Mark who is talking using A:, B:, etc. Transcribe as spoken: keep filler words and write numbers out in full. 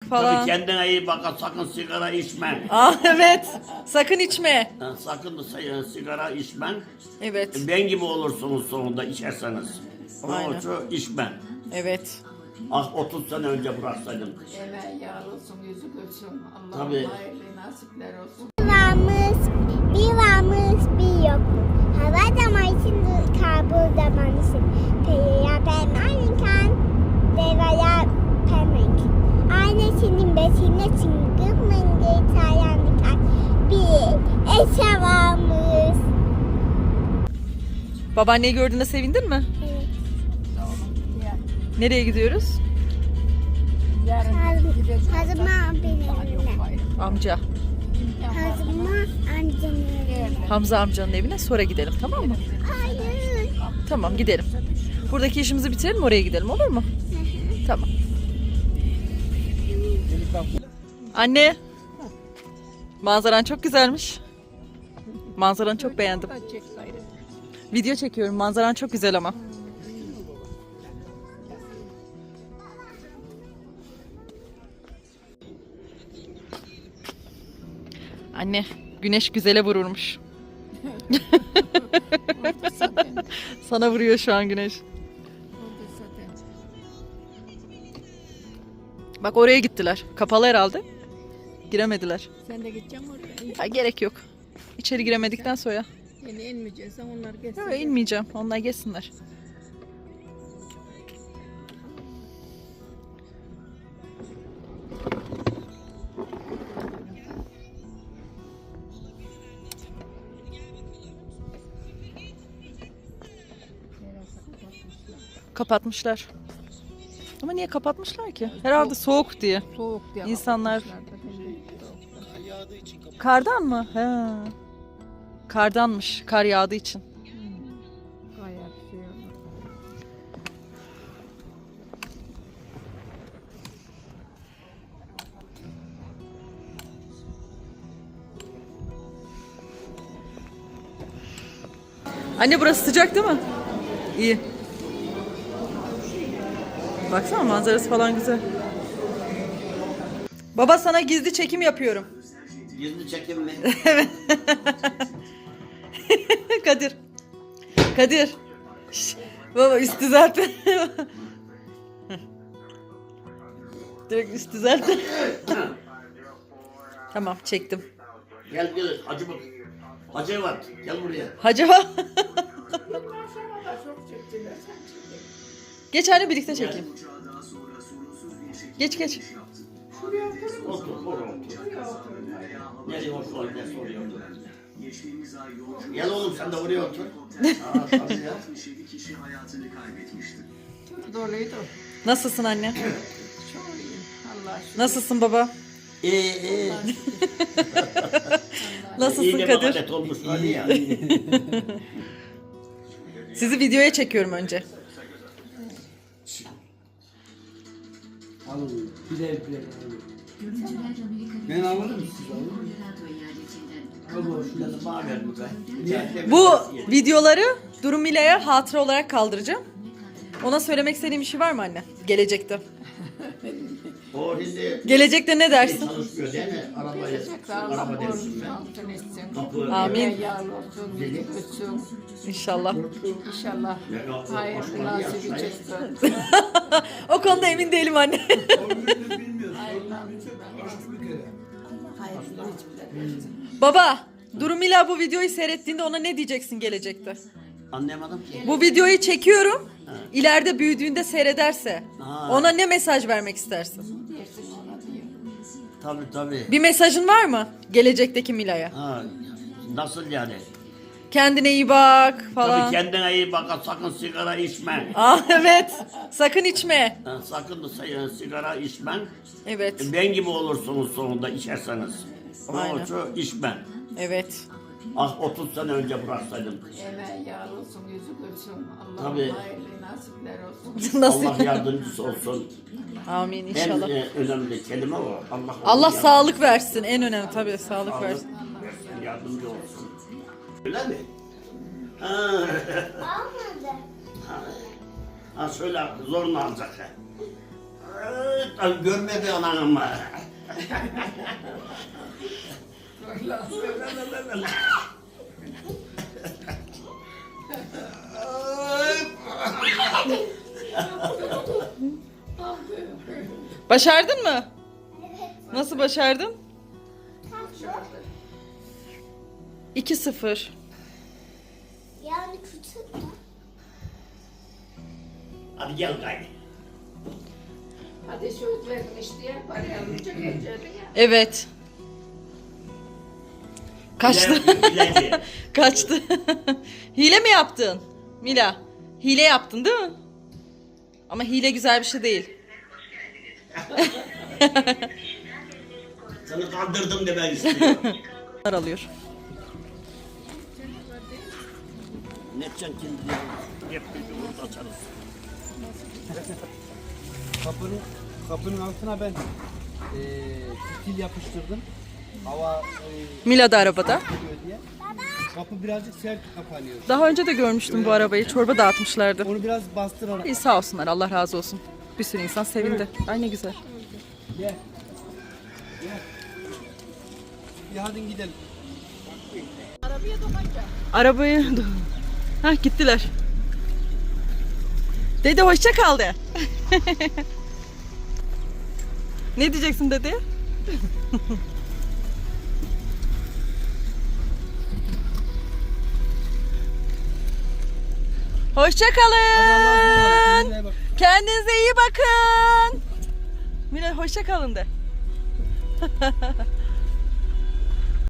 A: falan.
B: Tabii kendine iyi bak, sakın sigara içme.
A: Aa, evet. Sakın içme.
B: Ha, sakın da sigara içmen.
A: Evet.
B: Ben gibi olursunuz sonunda içerseniz.
A: Aynen.
B: Onun için içme.
A: Evet.
B: Ah otuz sene önce bıraksaydım.
C: Emel yar olsun, yüzü gülsün. Allah'ım
B: Tabii.
C: hayırlı nasipler olsun.
D: Bir varmış, bir varmış, bir yokmuş. Hava zaman için kabul zaman için. Peyya permanenken, devaya permek. Annesinin besine çıngır mıngır çayanlık bir eşe varmış.
A: Babaanneyi gördüğünde sevindin mi?
D: Evet.
A: Nereye gidiyoruz?
D: Hazıma benim evine.
A: Amca.
D: Hazıma amcanın evine.
A: Hamza amcanın evine sonra gidelim, tamam mı?
D: Hayır.
A: Tamam, gidelim. Buradaki işimizi bitirelim, oraya gidelim, olur mu? Tamam. Anne. Manzaran çok güzelmiş. Manzaranı çok beğendim. Video çekiyorum. Manzaran çok güzel ama. Anne, güneş güzele vururmuş. Sana vuruyor şu an güneş. Bak oraya gittiler. Kapalı herhalde. Giremediler.
C: Sen de gideceksin oraya.
A: Ya, gerek yok. İçeri giremedikten sonra.
C: Yine inmeyeceksen onlar geçsin.
A: Yok, inmeyeceğim. Onlar geçsinler. Kapatmışlar. Ama niye kapatmışlar ki? Herhalde soğuk diye.
C: Soğuk diye.
A: İnsanlar-
C: kapatmışlar da şimdi.
A: Kardan mı? He. Kardanmış. Kar yağdığı için.
C: Gayet şey olur.
A: Anne burası sıcak değil mi? İyi. Baksana manzarası falan güzel. Baba sana gizli çekim yapıyorum.
B: Gizli çekim mi?
A: Kadir. Kadir. Şş, baba üstü zaten. Direkt üstü zaten. Tamam çektim.
B: Gel gel Hacı bak. Hacı var. Gel buraya.
A: Hacı bak. Geç anne birlikte çekeyim. Geç geç.
B: Otur, otur, otur. Nereye otur, nereye oraya otur. Gel oğlum sen de buraya otur. Aa, tabii ya.
C: Doluydu.
A: Nasılsın anne?
C: Çok iyi. Allah şükür.
A: Nasılsın baba?
B: İyi iyi.
A: Nasılsın
B: İyi de
A: Kadir?
B: mahalet olmuş hadi ya.
A: Sizi videoya çekiyorum önce.
E: Alın, birer birer alın. Ben alırım siz alın.
B: Al şundan da bana ver bu be.
A: Bu videoları Durum Mila'ya hatıra olarak kaldıracağım. Ona söylemek istediğim bir şey var mı anne? Gelecekte.
B: O şimdi
A: Gelecekte ne dersin?
B: çalışmıyor değil mi? Arabayı,
C: Allah
B: araba dersin
C: korusun,
B: ben.
C: altın etsin.
B: Kapı.
A: Amin.
C: Emel yar olsun, yüzü gülsün.
A: İnşallah.
C: İnşallah hayırlı nasibi çıksın.
A: O konuda emin değilim anne.
C: Hayırlı nasipler versin.
A: Baba, Durum Mila bu videoyu seyrettiğinde ona ne diyeceksin gelecekte?
B: Anlayamadım ki.
A: Bu videoyu çekiyorum. İleride büyüdüğünde seyrederse
B: Ha.
A: ona ne mesaj vermek istersin?
C: Dersin ona diyeyim.
B: Tabii tabii.
A: Bir mesajın var mı gelecekteki Mila'ya?
B: Ha, nasıl yani?
A: Kendine iyi bak falan.
B: Tabii kendine iyi bak, sakın sigara içme.
A: Aa, evet. Sakın içme.
B: Ha, sakın da sigara içmen.
A: Evet.
B: Ben gibi olursunuz sonunda içerseniz. Onun
A: Aynen.
B: için içmen.
A: Evet.
B: Ah otuz sene önce bıraksaydım.
C: Emel yar olsun, yüzü gülsün. Allah'ım
B: Tabii.
C: hayırlı nasipler olsun.
A: Nasıl?
B: Allah yardımcısı olsun.
A: Amin
B: En
A: inşallah.
B: e, önemli kelime o. Allah,
A: Allah
B: yardım-
A: sağlık versin. En önemli tabii sağlık
B: sağlık
A: versin.
B: versin, yardımcı olsun. Öyle mi? Ha,
D: Olmadı.
B: ha, ha şöyle zorla alacak. ha. Ay, görmedi anan ama.
A: Başardın mı? Nasıl başardın? iki sıfır.
D: Yani küçük mü?
B: Hadi gel gayri.
C: Hadi söz vermiş diye parayı alınca geleceğini ya.
A: Evet. Kaçtı.
B: Bilek, bilek.
A: Kaçtı. Hile mi yaptın? Mila. Hile yaptın değil mi? Ama hile güzel bir şey değil.
B: Seni kandırdım demek istiyorum.
A: Alıyor.
B: Ne edeceksin şimdi ya? Hep bir açarız.
E: Kapının, kapının altına ben eee fitil yapıştırdım. Hava eee,
A: Mila da arabada.
E: geliyor diye. Kapı birazcık sert kapanıyor.
A: Daha önce de görmüştüm bu arabayı. Çorba dağıtmışlardı.
E: Onu biraz bastırarak.
A: İyi sağ olsunlar. Allah razı olsun. Bir sürü insan sevindi. Ay ne güzel.
E: Gel. Gel. Bir hadi gidelim.
A: Arabayı... Hah gittiler. Dede hoşça kal de. Ne diyeceksin dede? Hoşça kalın.
E: Kendine bak.
A: Kendinize iyi bakın. Mila hoşça kalın de.